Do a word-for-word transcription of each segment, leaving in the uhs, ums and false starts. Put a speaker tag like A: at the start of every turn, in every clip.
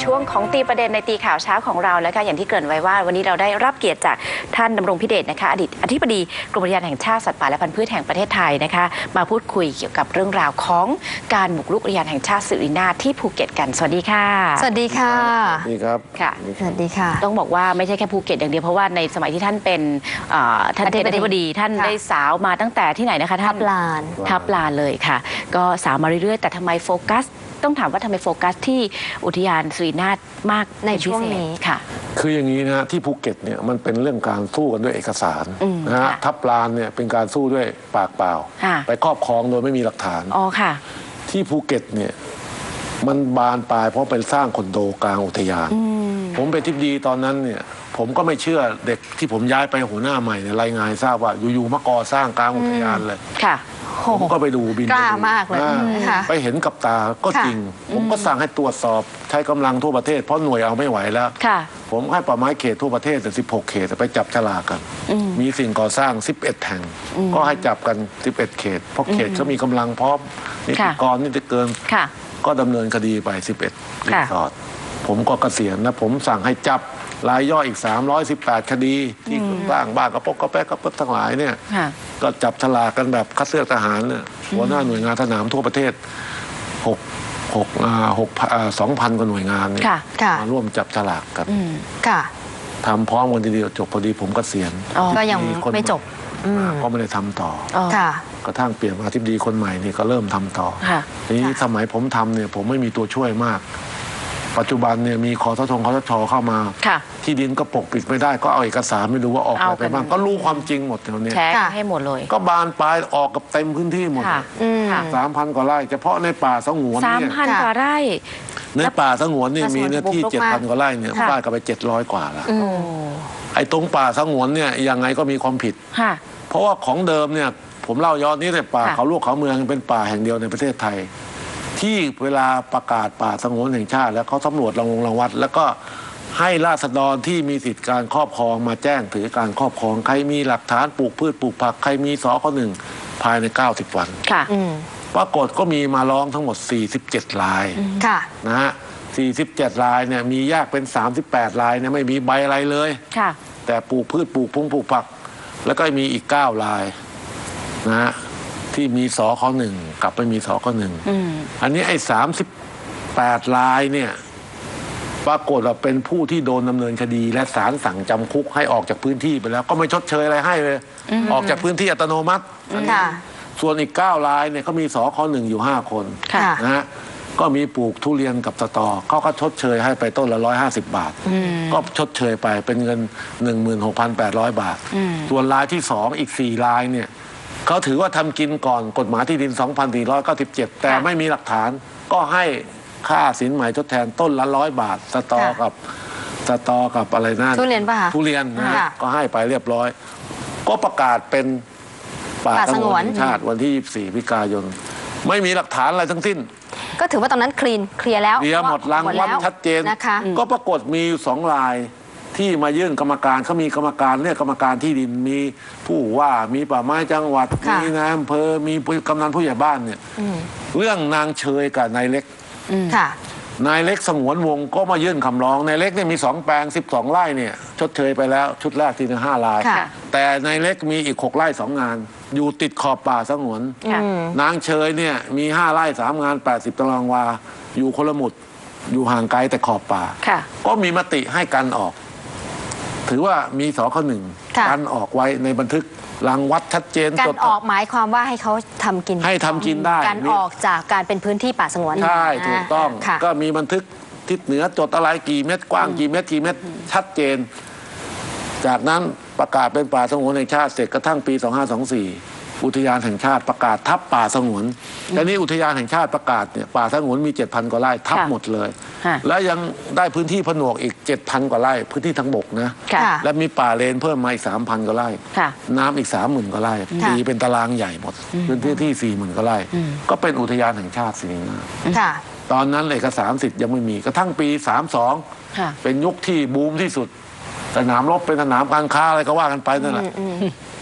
A: ช่วงของตีประเด็นในตีข่าวเช้าของเราแล้วค่ะอย่างที่เกริ่นไว้ว่าวันนี้เราได้รับเกียรติจากท่านดำรงพิเดชนะคะอดีตอธิบดีกรมอุทยานแห่งชาติสัตว์ป่าและพันธุ์พืชแห่งประเทศไทยนะคะมาพูดคุยเกี่ยวกับเรื่องราวของการบุกรุกอุทยานแห่งชาติสิรินาถที่ภูเก็ตกันสวัสดีค่ะ
B: สวัสดีค่ะ
C: สวัสดีครับ
A: ค่ะ
B: สวัสดีค่ะ
A: ต้องบอกว่าไม่ใช่แค่ภูเก็ตอย่างเดียวเพราะว่าในสมัยที่ท่านเป็นท่านเป็นอธิบดีท่านได้สาวมาตั้งแต่ที่ไหนนะคะท่าน
B: ทับลาน
A: ทับลานเลยค่ะก็สาวมาเรื่อยๆแต่ทำไมโฟกัสต้องถามว่าทำไมโฟกัสที่อุทยานสิรินาถมาก
B: ในช่วงนี้
A: ค่ะ
C: คืออย่างนี้นะที่ภูเก็ตเนี่ยมันเป็นเรื่องการสู้กันด้วยเอกสารนะฮะทับลานเนี่ยเป็นการสู้ด้วยปากเปล่าไปครอบครองโดยไม่มีหลักฐาน
A: อ๋อค่ะ
C: ที่ภูเก็ตเนี่ยมันบานปลายเพราะเป็นสร้างคอนโดกลางอุทยานผมเป็นทิบดีตอนนั้นเนี่ยผมก็ไม่เชื่อเด็กที่ผมย้ายไปหัวหน้าใหม่เนี่ยรายงานทราบว่าอยู่ๆมาก่อสร้างกลางอุทยานเลย
A: ค่ะ
C: ผมก็ไปดูบิน
B: กล้ามากเลย
C: ไปเห็นกับตาก็จริงผมก็สั่งให้ตรวจสอบใช้กำลังทั่วประเทศเพราะหน่วยเอาไม่ไหวแล้วผมให้ป่าไม้เขตทั่วประเทศแต่สิบหกเขตไปจับฉลากกันมีสิ่งก่อสร้างสิบเอ็ดแห่งก็ให้จับกันสิบเอ็ดเขตเพราะเขตเขามีกำลังพร้อมนิติกรนิติเกินก็ดำเนินคดีไปสิบเอ็ดรีสอร์ทผมก็เกษียณนะผมสั่งให้จับรายย่อยอีกสามร้อยสิบแปดคดีที่สร้างบ้านกระปกกระแป๊กกระเป๊กทั้งหลายเนี่ยก็จับฉลากกันแบบคัดเลือกทหารเนี่ยหัวหน้าหน่วยงานสนามทั่วประเทศหกหกหกสองพันกว่าหน่วยงานเนี่ยมาร่วมจับฉลากกันทำพร้อมกันทีเดียวจบพอดีผมเกษียณ
B: ก็ยังไม่จบ
C: ก็ไม่ได้ทำต่อกระทั่งเปลี่ยนมาทิบดีคนใหม่นี่ก็เริ่มทำต่อทีนี้สมัยผมทำเนี่ยผมไม่มีตัวช่วยมากปัจจุบันเนี่ยมีคอสชคอสชเข้ามาที่ดินก็ปกปิดไม่ได้ก็เอาเอกสารไม่รู้ว่าออกอะไรไปบ้างก็รู้ความจริงหมดแถวนี้
A: แชร์ให้หมดเลย
C: ก็บานปลายออกกับเต็มพื้นที่หมดสามพันกว่าไร่เฉพาะในป่าสงวน
A: เนี่ยสามพันกว่าไร่
C: ในป่าสงวนนี่มีเนื้อที่เจ็ดพันกว่าไร่เนี่ยป้ายกันไปเจ็ดร้อยกว่าละไอ้ตรงป่าสงวนเนี่ยยังไงก็มีความผิดเพราะว่าของเดิมเนี่ยผมเล่าย้อนนี้แต่ป่าเขาลูกเขาเมืองเป็นป่าแห่งเดียวในประเทศไทยที่เวลาประกาศป่าสงวนแห่งชาติแล้วเขาสำรวจรางวงรางวัดแล้วก็ให้ราษฎรที่มีสิทธิการครอบครองมาแจ้งถือการครอบครองใครมีหลักฐานปลูกพืชปลูกผักใครมีสค.หนึ่งภายในเก้าสิบวันปรากฏก็มีมาร้องทั้งหมดสี่สิบเจ็ดรายนะฮะสี่สิบเจ็ดรายเนี่ยมียากเป็นสามสิบแปดรายเนี่ยไม่มีใบอะไรเลยแต่ปลูกพืชปลูกพุ่งปลูกผักแล้วก็มีอีกเก้ารายนะฮะที่มีสค.หนึ่งกับไม่มีสค.หนึ่งอันนี้ไอ้สามสิบแปดรายเนี่ยปรากฏว่าเป็นผู้ที่โดนดำเนินคดีและศาลสั่งจำคุกให้ออกจากพื้นที่ไปแล้วก็ไม่ชดเชยอะไรให้เลยออกจากพื้นที่อัตโนมัติส่วนอีกเก้ารายเนี่ยเขามีสค.หนึ่งอยู่ห้าคนนะฮะก็มีปลูกทุเรียนกับสตอเขาก็ชดเชยให้ไปต้นละร้อยห้าสิบบาทก็ชดเชยไปเป็นเงินหนึ่งหมื่นหกพันแปดร้อยบาทส่วนรายที่สองอีกสี่รายเนี่ยเขาถือว่าทำกินก่อนกฎหมายที่ดิน สองพันสี่ร้อยเก้าสิบเจ็ด แต่ไม่มีหลักฐานก็ให้ค่าสินไหมทดแทนต้นละร้อยบาทสตอกับสตอกับอะไรนั่น
B: ทุเรียนป่ะ
C: ทุเรียนนะก็ให้ไปเรียบร้อยก็ประกาศเป็นป่าสงวนแห่งชาติวันที่ยี่สิบสี่พฤศจิกายนไม่มีหลักฐานอะไรทั้งสิ้น
B: ก็ถือว่าตอนนั้นคลีนเคลียร์แล้ว
C: เคลียร์หมดรางวัลชัดเจนก็ปรากฏมีอยู่สองรายที่มายื่นกรรมการเขามีกรรมการเรียกกรรมการที่ดินมีผู้ว่ามีป่าไม้จังหวัดมีนายอำเภอมีกำนันผู้ใหญ่บ้านเนี่ยเรื่องนางเชยกับนายเล็กนายเล็กสงวนวงก็มายื่นคำร้องนายเล็กเนี่ยมีสองแปลงสิบสองไร่เนี่ยชดเชยไปแล้วชุดแรกที่หนึ่งห้ารายแต่นายเล็กมีอีกหกไร่สองงานอยู่ติดขอบป่าสงวนนางเชยเนี่ยมีห้าไร่สามงานแปดสิบตารางวาอยู่คนละหมุดอยู่ห่างไกลแต่ขอบป่าก็มีมติให้กันออกถือว่ามีสค.หนึ่งการออกไว้ในบันทึกรังวัดชัดเจน
B: การออกหมายความว่าให้เขาทำกิน
C: ให้ทำกินได้
B: การออกจากการเป็นพื้นที่ป่าสงวน
C: ใช่ถูกต้องก็มีบันทึกทิศเหนือจดอะไรกี่เมตรกว้างกี่เมตรกี่เมตรชัดเจนจากนั้นประกาศเป็นป่าสงวนแห่งชาติเสร็จกระทั่งปีสองห้าสองสี่อุทยานแห่งชาติประกาศทับป่าสงวนแต่นี้อุทยานแห่งชาติประกาศเนี่ยป่าสงวนมี เจ็ดพัน กว่าไร่ทับหมดเลยแล้วยังได้พื้นที่ผนวกอีก เจ็ดพัน กว่าไร่พื้นที่ทางบกนะและมีป่าเลนเพิ่มมาอีก สามพัน กว่าไร่น้ำอีก สามหมื่น กว่าไร่ตีเป็นตารางใหญ่หมดพื้นที่ที่ สี่หมื่น กว่าไร่ก็เป็นอุทยานแห่งชาติสิรินาถตอนนั้นเอกสารสิทธิ์ยังไม่มีกระทั่งปีสามสิบสองเป็นยุคที่บูมที่สุดสนามรบเป็นสนามการค้าอะไรก็ว่ากันไปนั่นแหละ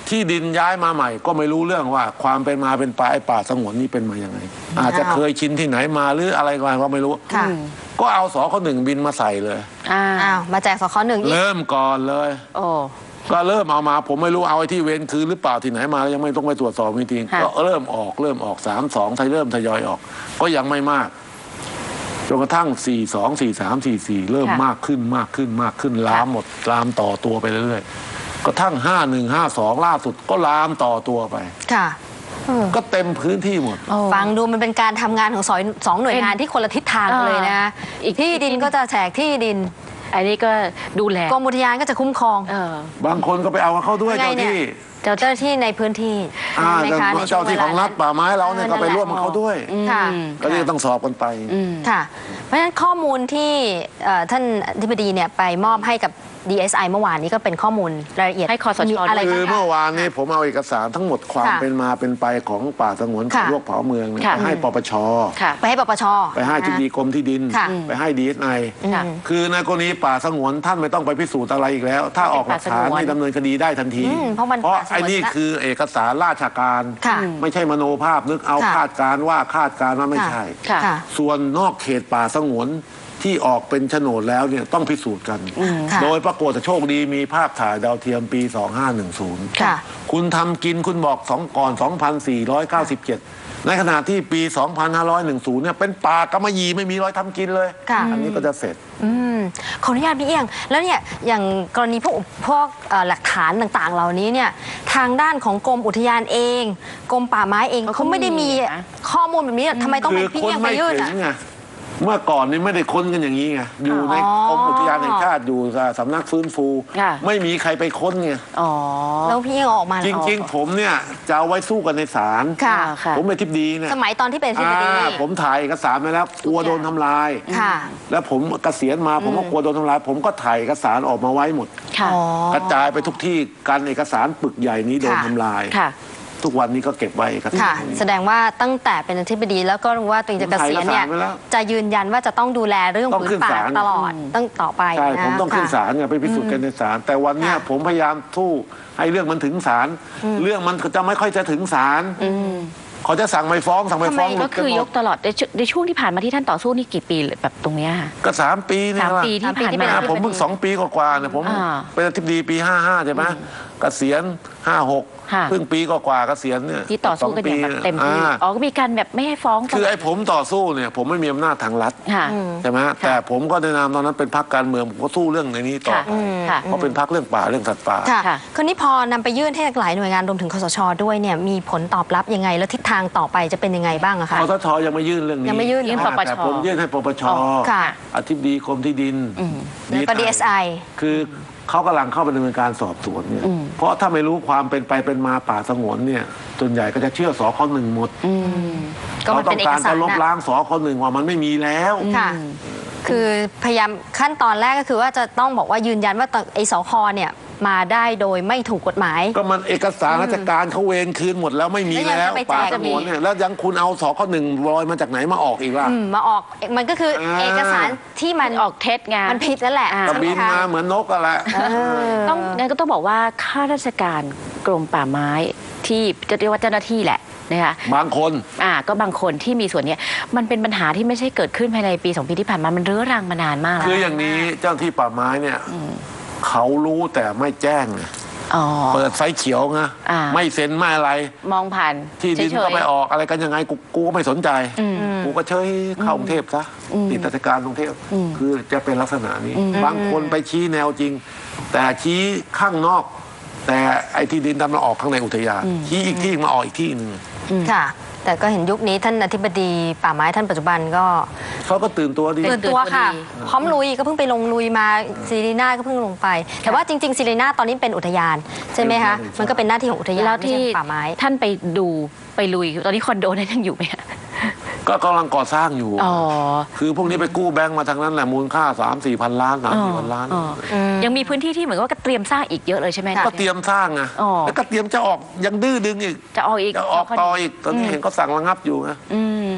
C: ที่ดินย้ายมาใหม่ก็ไม่รู้เรื่องว่าความเป็นมาเป็นไปไอ้ป่าสงวนนี่เป็นมาอย่างไงอาจจะเคยชินที่ไหนมาหรืออะไรก็ไม่รู้
B: ค่ะ
C: ก็เอาสคหนึ่งบินมาใส่เลย
A: อ่า
B: อ้าวมาแจกสคหนึ่งอีก
C: เริ่มก่อนเลย
A: โอ้
C: ก็เริ่มเอามาผมไม่รู้เอาไอ้ที่เว้นคืนหรือเปล่าที่ไหนมายังไม่ต้องไปตรวจสอบจริง
A: ค่ะ
C: ๆก็เริ่มออกเริ่มออกสามสองไทยเริ่มทยอยออก ก็ยังไม่มากจนกระทั่งสี่สองสี่สามสี่สี่เริ่มมากขึ้นมากขึ้นมากขึ้นลามหมดลามต่อตัวไปเรื่อยๆกระทั่งห้าหนึ่งห้าสองล่าสุดก็ลามต่อตัวไป
B: ค่ะเออ
C: ก็เต็มพื้นที่หมด
A: โอ้
B: ฟังดูมันเป็นการทำงานของสอยสองหน่วยงานที่คนละทิศทางกันเลยนะ
A: อีก
B: ที่ดินก็จะแจกที่ดิน
A: อันนี้ก็ดูแล
B: กรมอุทยานก็จะคุ้มครอง
A: เออบ
C: างคนก็ไปเอากับเขาด้วย
B: ยังไง
C: เจ้า
B: เนี่ย
C: ที่
B: เจ้าหน้าที่ในพื้นที่
C: อ่า
B: ใช่ไหมคะในช่ว
C: เจ้าที่ของรัฐ
B: วล
C: ป่าไม้เราเนี่ยก็ไปร่วมกับเขาด้วย
B: ค่ะ
C: ก็เลยต้องสอบกันไป
A: อืม
B: ค่ะ เพราะฉะนั้นข้อมูลที่เอ่อท่านอธิบดีเนี่ยไปมอบให้กับ ดี เอส ไอ เมื่อวานนี้ก็เป็นข้อมูลรายละเอียด
A: ให้คสช
B: มีอะไร
C: คือ
B: บ้าง
C: เมื่อ
B: คะ
C: วานนี้ผมเอาเอกสารทั้งหมดความ
B: ค่ะ
C: เป็นมาเป็นไปของป่าสงวน
B: ค่ะ
C: โรคเผาเมืองเนี่ย
A: ค่ะ
C: ไปให้ปปช
A: ค่ะ
B: ไปให้ปปช
C: ไปให้ที่ดีกรมที่ดิน
B: ค่ะ
C: ไปให้ดีเอสไอ
A: ค่ะ
C: คือในกรณีป่าสงวนท่านไม่ต้องไปพิสูจน์อะไรอีกแล้ว ถ้าออกหลักฐาน
A: เป็นป่าสงวน
C: ให้ดำเนินคดีได้ทันที
B: อืมเพราะมัน
C: เพราะ
B: ป่าสงวน
C: ไอ้นี่
B: ละ
C: คือเอกสารราชการ
B: ค่ะ
C: ไม่ใช่มโนภาพนึกเอา
B: ค่ะ
C: คาดการณ์ว่าคาดการณ์ว่าไม่ใช่
A: ค่ะ
B: ค่ะ
C: ส่วนนอกเขตป่าสงวนที่ออกเป็นโฉนดแล้วเนี่ยต้องพิสูจน์กัน
B: ค่ะ
C: โดยปรากฏโชคดีมีภาพถ่ายดาวเทียมปี สองห้าหนึ่งศูนย์
B: ค่ะ
C: คุณทำกินคุณบอกสองก่อน สองพันสี่ร้อยเก้าสิบเจ็ด ในขณะที่ปี สองพันห้าร้อยสิบ เนี่ยเป็นป่ากำมะหยี่ไม่มีรอยทำกินเลย
B: ค่ะ
C: อันนี้ก็จะเสร็จ
B: อืมขออนุญาตพี่เอียง แล้วเนี่ยอย่างกรณีพวกพวกเอ่อหลักฐานต่างๆ เหล่านี้เนี่ยทางด้านของกรมอุทยานเองกรมป่าไม้เอง
A: เขาก็
B: เขาไม่ได้มี
A: มีนะ
B: ข้อมูลแบบนี้ทำไมต้อง
C: คื
B: เป็นพี่
C: คน
B: เอียงไป
C: ไม่
B: ยื่น
C: ถึ
B: อ่ะ
C: งไงเมื่อก่อนนี่ไม่ได้ค้นกันอย่างนี้ไงอยู่ใน
B: อ๋อก
C: รมอุทยานแห่งชาติอยู่สำนักฟื้นฟู
A: ค่ะ
C: ไม่มีใครไปค้นไง
A: อ๋อ
B: แล้วพี่เอียงเอาออกมา
C: จริง ๆ ผมเนี่ยจะเอาไว้สู้กันในศาล
B: ค่ะ
A: ค่ะ
C: ผมเป็นทิบดีเนี่ย
B: สมัยตอนที่เป็นอธิบดี
C: อ่าผมถ่ายเอกสารมาแล้วกลัวโดนทำลาย
B: ค่ะ
C: แล้วผมเกษียณมาผมก็กลัวโดนทำลาย ผมก็ถ่ายเอกสารออกมาไว้หมด
A: ค่ะ
B: อ๋อ
C: กระจายไปทุกที่การเอกสารปึกใหญ่นี้โดน
B: ค่ะ
C: ทำลาย
A: ค่ะ
C: ทุกวันนี้ก็เก็บไว้เอกสาร
B: ค่ะ แสดงว่าตั้งแต่เป็นอธิบดีแล้วก็รู้ว่าตัวเองจะเกษียณเนี่ย
C: ผมถ่ายเอกสารไว้แล้ว
B: จะยืนยันว่าจะต้องดูแลเรื่อง
C: ต้อง
B: ผื
C: ขึ้
B: น
C: น
B: ป่า
C: ศาล
B: ตลอดตั้งต่อไป
C: ใช่
B: นะ
C: ผมต้องขึ้น
B: ค่ะ
C: ศาลไงไปพิสูจน์กันในศาลแต่วันเนี้ย
B: ค่ะ
C: ผมพยายามสู้ให้เรื่องมันถึงศาลเรื่องมันจะไม่ค่อยจะถึงศาลเขาจะสั่งไม่ฟ้องสั่งไม่ฟ้อง
A: ทำไม
C: หลุ
A: ก็
C: ด
A: คื
C: น
A: อ
C: หม
A: ย
C: ด
A: กตลอดในช่วงในช่วงที่ผ่านมาที่ท่านต่อสู้นี่กี่ปีแบบตรงเนี้ยค่ะ
C: ก็สามปีนี่
A: สาม
C: แหละ
A: ปีที่ผ่าน
B: สามปีที่เป็
A: มา
B: น
C: อ่าผมเพิ่งสองปีกว่าๆเนี่ยผม
A: อ่า
C: เป็นอธิบดีปีห้าห้าใช่ไหมเกษียณห้าหก
A: ค่ะ
C: เพิ่งปีกว่าๆเกษียณเนี่ย
A: ที่ต่อสู้กันอย่างแบบเต็มที่
C: อ่า
A: อ๋อก็มีการแบบไม่ให้ฟ้อง
C: คือไอ้ผมต่อสู้เนี่ยผมไม่มีอำนาจทางรัฐ
A: ค่ะ
C: ใช่ไหมแต่ผมก็ในนามตอนนั้นเป็นพรรคการเมืองผมก็สู้เรื่องในนี้ต่อ
A: ค่ะ
C: ไป
A: ค่ะ
C: เพราะเป็นพรรคเรื่องป่าเรื่องสัตว์ป่า
B: ค่ะ
A: ค่ะ
B: คราวนี้พอนำไปยื่นให้หลายหน่วยงานรวมถึงคสชด้วยเนี่ยมีผลตอบรับยังไง แล้วทิศทางต่อไปจะเป็นยังไงบ้างอะคะ
C: คสชยังไม่ยื่นเรื่องนี้
B: ยังไม่ยื่น
A: ยื่น
C: อ่า
A: ปปช
C: แต่ผมยื่นให้ปปช
A: อ๋อ
B: ค่ะ
C: อธิบดีกรมที่ดิน
B: แล้วก็ ดี เอส ไอ
C: คือเขากำลังเข้าไปดำเนินการสอบสวนเนี่ยเพราะถ้าไม่รู้ความเป็นไปเป็นมาป่าสงวนเนี่ยส่วนใหญ่ก็จะเชื่อสคหนึ่งหมด
B: ก็มัน
C: ต้
B: เป็
C: อน ง
B: เอก
C: การ
B: สา
C: จะ
B: ร
C: ลบ
B: นะ
C: ล้างสคหนึ่งว่ามันไม่มีแล้ว
B: ค่ะ คือพยายามขั้นตอนแรกก็คือว่าจะต้องบอกว่ายืนยันว่าไอ้สคเนี่ยมาได้โดยไม่ถูกกฎหมาย
C: ก็มันเอกสารราชการเขาเวรคืนหมดแล้วไม่มี
B: แล้วยัง
C: แล้ว
B: จะไปแจก
C: ป่าสงวนเนี่ยแล้วยังคุณเอาสคหนึ่งลอยมาจากไหนมาออกอีกล่ะ
B: อืมมาออกมันก็คืออา เอกสารที่มัน
A: ออกเท็จไง
B: มันผิดนั่นแหละ
A: อ่า
C: ก็
B: ใช่ไหม
C: บิน
B: คะ
C: มาเหมือนนกกันแหละ
A: ต้องงั้นก็ต้องบอกว่าข้าราชการกรมป่าไม้ที่จะเรียกว่าเจ้าหน้าที่แหละนะคะ
C: บางคน
A: อ่าก็บางคนที่มีส่วนเนี้ยมันเป็นปัญหาที่ไม่ใช่เกิดขึ้นภายในปีสองปีที่ผ่านมามันเรื้อรังมานานมากแล้ว
C: คืออย่างนี้เจ้าหน้าที่ป่าไม้เนี่ยเขารู้แต่ไม่แจ้งไง
A: อ๋อ
C: เปิดไฟเขียวไง
A: อ่า
C: ไม่เซ็นไม่อะไร
A: มองผ่าน
C: ที่ดิน
A: เฉ
C: ก็
A: ยๆ
C: ไปออกอะไรกันยังไงกูกูก็ไม่สนใจ กูก็เชยเข้ากรุงเทพซะติดราชการกรุงเทพคือจะเป็นลักษณะนี้ บางคนไปชี้แนวจริง แต่ชี้ข้างนอก แต่ไอ้ที่ดินดำมาออกข้างในอุทยานชี้อีกที่มาออกอีกที่หนึ่ง
B: ค่ะ แต่ก็เห็นยุคนี้ท่านอธิบดีป่าไม้ท่านปัจจุบันก็
C: เขาก็ตื่นตัวดี
B: ตื่นตัวค่ะ
A: ดี
B: พร้อมลุยก็เพิ่งไปลงลุยมาซีรีนาก็เพิ่งลงไป แต่ว่าจริงๆซีรีนาตอนนี้เป็นอุทยานใช่ไหมคะมันก็เป็นหน้าที่ของอุทยาน
A: แล้ว
B: ไม่
A: ที่
B: ใช่ป่าไม้
A: ท่านไปดูไปลุยตอนนี้คอนโดนั้นยังอยู่ไหมคะ
C: ก็กำลังก่อสร้างอยู่
A: อ๋อ
C: คือพวกนี้ไปกู้แบงก์มาทางนั้นแหละมูลค่าสามสี่พันล้านสามสี่พันล้าน
A: อ๋ออยังมีพื้นที่ที่เหมือนกับว่าก็เตรียมสร้างอีกเยอะเลยใช่ไหม
C: ก็เตรียมสร้างไง
A: อ๋อ
C: แล้วก็เตรียมจะออกยังดื้อดึงอีก
A: จะออกอีก
C: จะออกต่ออีกตอนนี้เห็นเขาสั่งระงับอยู่ไง
A: อืม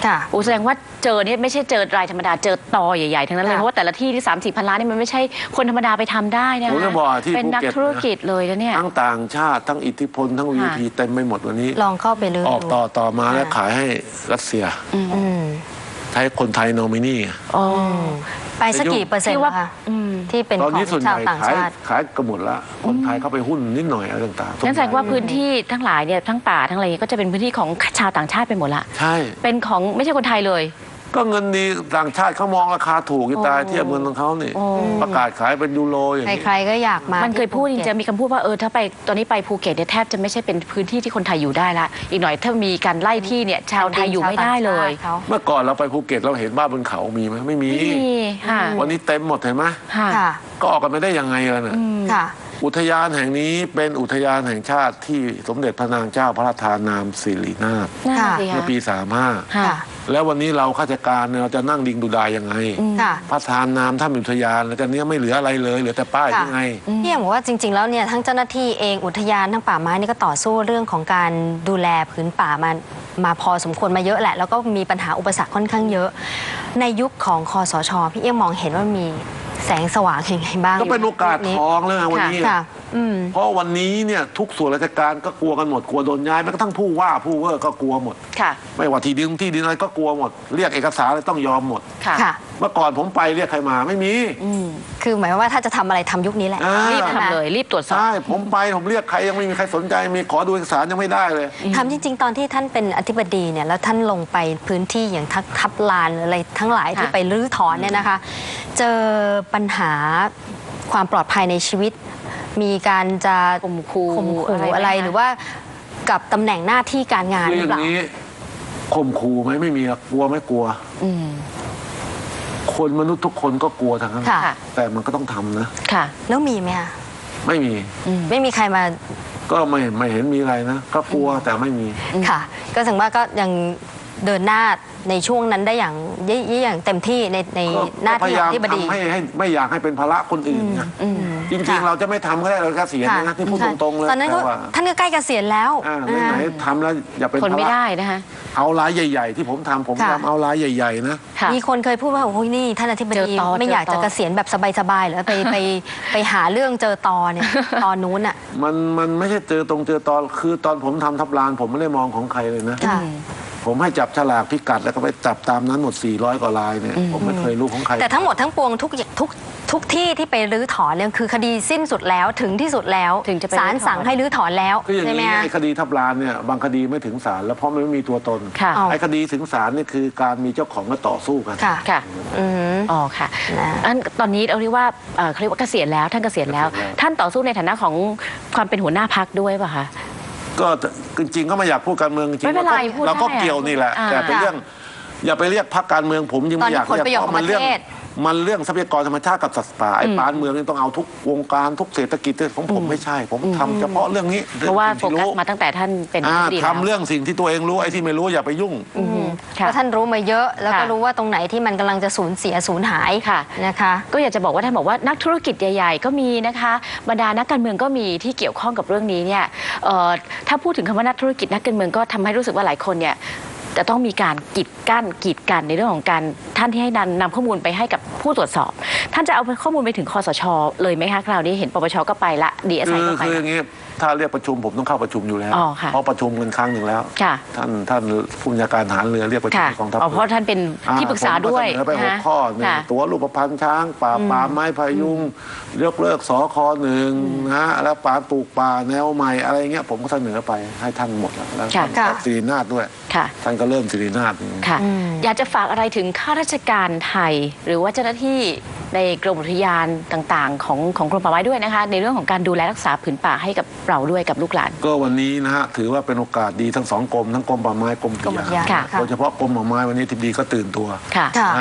B: ค่ะ
A: โอ้แสดงว่าเจอเนี่ยไม่ใช่เจอรายธรรมดาเจอตอใหญ่ๆทั้งนั้นเลย
B: ค่ะ
A: เพราะว่าแต่ละที่ที่สามสี่พันล้านนี่มันไม่ใช่คนธรรมดาไปทำได้นะ
C: ผมจะบอกที่
A: เป็นนัก
C: ภูเก็ต
A: ธุรกิจเลยนะเนี่ย
C: ทั้งต่างชาติทั้งอิทธิพลทั้ง วี พี เต็มไปหมดวันนี้
B: ลองเข้าไปเลย
C: ออกต่อต่อมาแล้ว
B: ค่ะ
C: ขายให้รัสเซีย
B: อืม
C: ใช้คนไทยโนมินี
A: อ๋อ
B: ไปสักกี่เปอร์เซ็นต์
A: ที่ว่า
B: คะ
A: อืม
B: ที่เป็น
C: ตอน
B: ขอ
C: นี้
B: ง
C: ส่วนให
B: ชาว
C: ญ่
B: ต่าง
C: ขาย
B: ชาติ
C: ขายกันหมดละคนไทยเข้าไปหุ้นนิดหน่อยอะไรต่างๆ
A: นั่นแสดงว่าพื้นที่ทั้งหลายเนี่ยทั้งป่าทั้งอะไรก็จะเป็นพื้นที่ของชาวต่างชาติไปหมดละ
C: ใช่
A: เป็นของไม่ใช่คนไทยเลย
C: ก็เงินดีต่างชาติเขามองราคาถูกจะตาย
A: โอ้
C: เทียบเงินของเขานี่
A: โอ้
C: ประกาศขายเป็นยูโรอย่างนี้
B: ใครๆก็อยากมา
A: มันเคยพูดจริงๆมีคำพูดว่าเออถ้าไปตอนนี้ไปภูเก็ตเนี่ยแทบจะไม่ใช่เป็นพื้นที่ที่คนไทยอยู่ได้ละอีกหน่อยถ้ามีการไล่ที่เนี่ยชาวไทยอยู่ไม่ได้เลย
B: เขา
C: เมื่อก่อนเราไปภูเก็ตเราเห็นบ้านบนเขามีไหมไม่มี
A: ไม่มีค่ะ
C: วันนี้เต็มหมดเห็นไหม
A: ค่ะ
B: ค่ะ
C: ก็ออกกันไม่ได้ยังไงล่ะน่ะ
B: ค่ะ
C: อุทยานแห่งนี้เป็นอุทยานแห่งชาติที่สมเด็จพระนางเจ้าพระราชทานนามสิรินาถ
A: นั่นน่ะสิ
C: เมื่อ
A: คะ
C: ปีสามห้า
A: ค่ะ
B: ค่ะ
C: แล้ววันนี้เราข้าราชการเนี่ยเราจะนั่งดิงดูดายยังไง
B: ค่ะ
C: พระทานนามท่านอุทยานแล้วกันเนี้ยไม่เหลืออะไรเลยเหลือแต่ป้าย
B: ค่ะ
C: ยังไง
B: พี่ยังบอกว่าจริง ๆ แล้วเนี่ยทั้งเจ้าหน้าที่เองอุทยานทั้งป่าไม้นี่ก็ต่อสู้เรื่องของการดูแลผืนป่ามามาพอสมควรมาเยอะแหละ แล้วก็มีปัญหาอุปสรรคค่อนข้างเยอะ ในยุคของคอสชพี่เอี้ยงมองเห็นว่ามีแสงสว่างยังไงบ้าง
C: ก็เป็นโอกาสทองเลยนะวันนี้
B: ค่ะ อืม
C: เพราะวันนี้เนี่ยทุกส่วนราชการก็กลัวกันหมดกลัวโดนย้ายแม้กระทั่งผู้ว่าผู้เวอร์ก็กลัวหมด
A: ค่ะ
C: ไม่ว่าที่ดินที่ดินอะไรก็กลัวหมด เรียกเอกสารอะไรต้องยอมหมด
A: ค่ะ
B: ค่ะ
C: เมื่อก่อนผมไปเรียกใครมาไม่มี
A: อืม
B: คือหมายความว่าถ้าจะทำอะไรทำยุคนี้แหละ
C: อ่า
A: รีบ
B: ใช่ไหม
A: ทำเลยรีบตรวจสอบ
C: ใช่ผมไปผมเรียกใครยังไม่มีใครสนใจมีขอดูเอกสารยังไม่ได้เลย
B: ทำจริง ๆ ตอนที่ท่านเป็นอธิบดีเนี่ยแล้วท่านลงไปพื้นที่อย่างทับทับลานหรืออะไรทั้งหลายที่
A: ค่ะ
B: ไปรื้อถอนเนี่ยนะคะ เจอปัญหาความปลอดภัยในชีวิต มีการจะ
A: ข่มขู่
B: ข่มขู่
A: อะไรไหม
B: อะไร
A: คะ
B: หรือว่ากับตำแหน่งหน้าที่การงาน
C: คือ
B: ห
C: อ
B: รือย่าง เปล่า
C: นี้ข่มขู่ไหมไม่มีหรอกกลัวไม่กลัว
A: อืม
C: คนมนุษย์ทุกคนก็กลัวทั้งนั้น
B: ค่ะ
C: แต่มันก็ต้องทำนะ
A: ค่ะ
B: แล้วมีไหมคะ
C: ไม่มี
B: ไม่มีใครมา
C: ก็ไม่ไม่เห็นมีอะไรนะก็กลัวแต่ไม่มี
B: ค่ะ ก็ถึงว่าก็ยังเดินหน้าในช่วงนั้นได้อย่างยี่ยี่อย่างเต็มที่ในใน
C: ก็
B: หน้า
C: ก็พ
B: ที่
C: ยา
B: ข
C: ยา
B: อ
C: ม
B: งที่บดี
C: ทำให้ให้ไม่อยากให้เป็นภาระคนอื่นนะ
A: อืม
C: จริง
B: ค่ะ
C: ๆ เราจะไม่ทำก็ได้เราเกษียณนะที่พูดตรงๆเลย
B: ตอนนั้นก็
C: แต่ว่า
B: ท่านก็ใกล้เกษียณแล้ว
C: อ่า
B: อ่า
C: ไหนๆทำแล้วอย่าเป็น
A: คน
C: ภา
A: ไม่
C: ระ
A: ได้นะคะ
C: เอารายใหญ่ๆ ที่ผมทำผม
B: ค่ะ
C: ทำเอารายใหญ่ๆนะ
A: ค่ะ
B: มีคนเคยพูดว่าโอ้ยนี่ท่านอธิบ
A: เจ
B: ดี
A: อตอ
B: ไม่
A: เจอ
B: อยากจะ
A: ตอ
B: เกษียณแบบสบายๆเหรอไปไปไปหาเรื่องเจอตอเนี่ยตอนนู้นอ่ะ
C: มันมันไม่ใช่เจอตรงเจอตอนคือตอนผมทำทับลานผมไม่ได้มองของใครเลยนะ
B: ค่ะ
C: ผมให้จับฉลากพิกัดแล้วก็ไปจับตามนั้นหมดสี่ร้อยกว่าลายเนี่ยผมไม่เคยรู้ของใคร
B: แต่ทั้งหมดทั้งปวงทุกทุกทุกที่ที่ไปรื้อถอนเนี่ยคือคดีสิ้นสุดแล้วถึงที่สุดแล้ว
A: ถึงจะไป
B: ศาล
A: รื้อถอน
B: สั่งให้รื้อถอนแล้ว
C: คืออย่าง
B: ใช่ไหม
C: นี้
B: คะ
C: ไอ้คดีทับลานเนี่ยบางคดีไม่ถึงศาลแล้วเพราะมันไม่มีตัวตน
A: ค่ะ
B: เอา
C: ไอ้คดีถึงศาลเนี่ยคือการมีเจ้าของมาต่อสู้กัน
B: ค่ะ
A: ค่ะ
B: อืม
A: อ๋อค่ะ
B: นะ
A: อันตอนนี้เราเรียกว่าเอ่อเขาเรียกว่าเกษียณแล้วท่านเกษียณแล้ว
C: เกษียณแล้ว
A: ท่านต่อสู้ในฐานะของความเป็นหัวหน้าพักด้วยป่ะคะ
C: ก็จริงๆก็ไม่อยากพูดการเมืองจริง
A: ไม่เป็นไรพูด
C: เราก็
A: ได้อะ
C: เกี่ยวนี่แหละ
A: อ่า
C: แต่เป็นเรื่องอย่าไปเรียกพรรคการเมืองผมยังไม่อยาก
B: ตอนนี้ผลประโยชน์ของ
C: มัเรื่อง
B: ประเทศ
C: มันเรื่องทรัพยากรธรรมชาติกับสัตว์ป่าไอ้ปานเมืองนี่ต้องเอาทุกวงการทุกเศรษฐกิจของผมไม่ใช่ ผมทำเฉพาะเรื่องนี้
A: เพราะว่าโฟ
C: สิ่งที่
A: กัส
C: รู้
A: มาตั้งแต่ท่านเป็น
C: อ่า
A: ผู้ดีแล้ว
C: ทำเรื่องสิ่งที่ตัวเองรู้ไอ้ที่ไม่รู้อย่าไปยุ่ง
A: อืม
B: เพ
A: ค่ะ
B: ราะท่านรู้มาเยอะแล้วก็
A: ค่ะ
B: รู้ว่าตรงไหนที่มันกำลังจะสูญเสียสูญหาย
A: ค่ะ
B: นะคะ
A: ก็อยากจะบอกว่าท่านบอกว่านักธุรกิจใหญ่ ๆ ก็มีนะคะบรรดานักการเมืองก็มีที่เกี่ยวข้องกับเรื่องนี้เนี่ยเอ่อถ้าพูดถึงคำว่านักธุรกิจนักการเมืองก็ทำให้รู้สึกว่าหลายคนเนี่ยจะต้องมีการกีดกั้นกีดกันในเรื่องของการท่านที่ให้นำนำข้อมูลไปให้กับผู้ตรวจสอบ ท่านจะเอาข้อมูลไปถึงคอสชเลยไหมคะคราวนี้เห็นปปชก็ไปละดีเอส
C: คื
A: ไอ
C: อ
A: ก็ไป
C: คืออ
A: ละ
C: ย่างนี้ถ้าเรียกประชุมผมต้องเข้าประชุมอยู่แล้ว
A: อ๋อค่ะ
C: เพราะประชุมกันครั้งหนึ่งแล้ว
A: ค่ะ
C: ท่านท่านผู้บัญชาการทหารเรือเรียกประชุม
A: ค่ะ
C: กองทัพ
A: อ๋อเพราะท่านเป็นที่ปรึกษาด้วย
C: ผมก็เสนอไปหก
A: นะ
C: ข้อหนึ่ง
A: ค่ะ
C: ตัวรูปพันธ์ช้างป่าป่าไม้พายุงยกเลิกสอคอหนึ่งนะแล้วป่าปลูกป่าแนวใหม่อะไรเงี้ยผมก็เสนอไปให้ท่านหมดแล้วแล้ว
A: ค่ะ
C: ท่านสิรินาถด้วย
A: ค่ะ
C: ท่านก็เริ่มสิรินาถ
A: ค่ะ
B: อืม
A: อยากจะฝากอะไรถึงข้าราชการไทย หรือว่าเจ้าหน้าที่ในกรมอุทยานต่างๆ ของของกรมป่าไม้ด้วยนะคะ ในเรื่องของการดูแลรักษาผืนป่าให้กับเราด้วยกับลูกหลาน
C: ก็วันนี้นะฮะถือว่าเป็นโอกาสดีทั้งสองกรมทั้งกรมป่าไม้กรมอุท
B: กรมอุท
C: ยาย
B: าน
C: น
B: ค่ะ
C: โดยเฉพาะกรมป่าไม้วันนี้ทิบดีก็ตื่นตัว
A: ค่ะ
B: ค่ะ
C: นะฮะ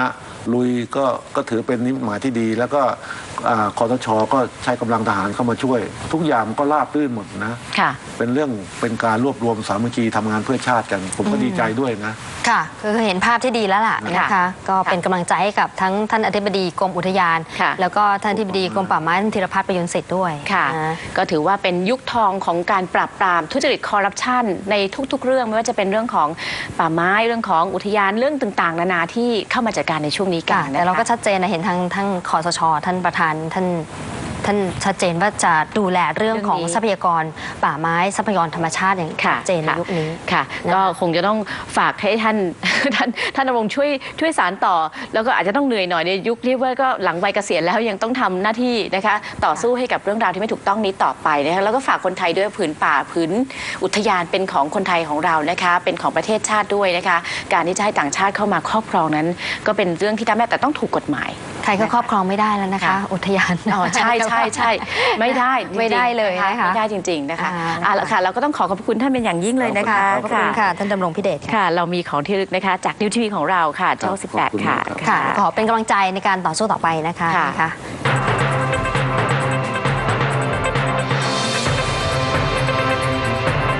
C: ลุยก็ก็ถือเป็นนิมิตหมายที่ดี แล้วก็อ่าคอสชก็ใช้กำลังทหารเข้ามาช่วย ทุกอย่างก็ราบรื่นหมดนะค่ะเป็นเรื่องเป็นการรวบรวมสามัคคีทำงานเพื่อชาติกัน ผมก็ดีใจด้วยนะ
B: ค่ะคือเห็นภาพที่ดีแล้วล่ะนะคะก็เป็นกำลังใจให้กับทั้งท่านอธิบดีกรมอุทยานแล้วก็ท่านอธิบดีกรมป่าไม้ท่านธีรพัฒน์ประยุนสิทธิ์ด้วย
A: ค่ะก็ถือว่าเป็นยุคทองของการปราบปรามทุจริตคอร์รัปชันในทุกๆเรื่องไม่ว่าจะเป็นเรื่องของป่าไม้เรื่องของอุทยานเรื่องต่างๆนานาที่เข้ามาจัดการในช่วงนี้กัน
B: แต่เราก็ชัดเจนนะเห็นทางทั้งคสชท่านประธานท่านท่านชัดเจนว่าจะดูแลเรื่องของทรัพยากรป่าไม้ทรัพยากรธรรมชาติอย่างชัดเจนในยุคนี้
A: ค่ะก็คงจะต้องฝากให้ท่านท่านท่านดำรงช่วยช่วยสารต่อแล้วก็อาจจะต้องเหนื่อยหน่อยในยุคที่ว่าก็หลังวัยเกษียณแล้วยังต้องทำหน้าที่นะคะต่อสู้ให้กับเรื่องราวที่ไม่ถูกต้องนี้ต่อไปนะคะแล้วก็ฝากคนไทยด้วยผืนป่าผืนอุทยานเป็นของคนไทยของเรานะคะเป็นของประเทศชาติด้วยนะคะการที่จะให้ต่างชาติเข้ามาครอบครองนั้นก็เป็นเรื่องที่ทำได้แต่ต้องถูกกฎหมาย
B: ใครก็ครอบครองไม่ได้แล้วนะคะอุทยาน
A: อ๋อใช่ใช่ใช่ไม่ได้
B: ไม่ได้เลยนะคะ
A: ไม่ได้จริงๆนะคะอ่าแล้วค่ะเราก็ต้องขอขอบคุณท่านเป็นอย่างยิ่งเลยนะคะ
B: ขอบคุณค่ะท่านดำรงพิเดช
A: ค่ะเรามีของที่ระลึกนะคะจากนิวทีวีของเราค่ะช่องสิบแปดค่ะ
B: ขอเป็นกำลังใจในการต่อสู้ต่อไปนะคะ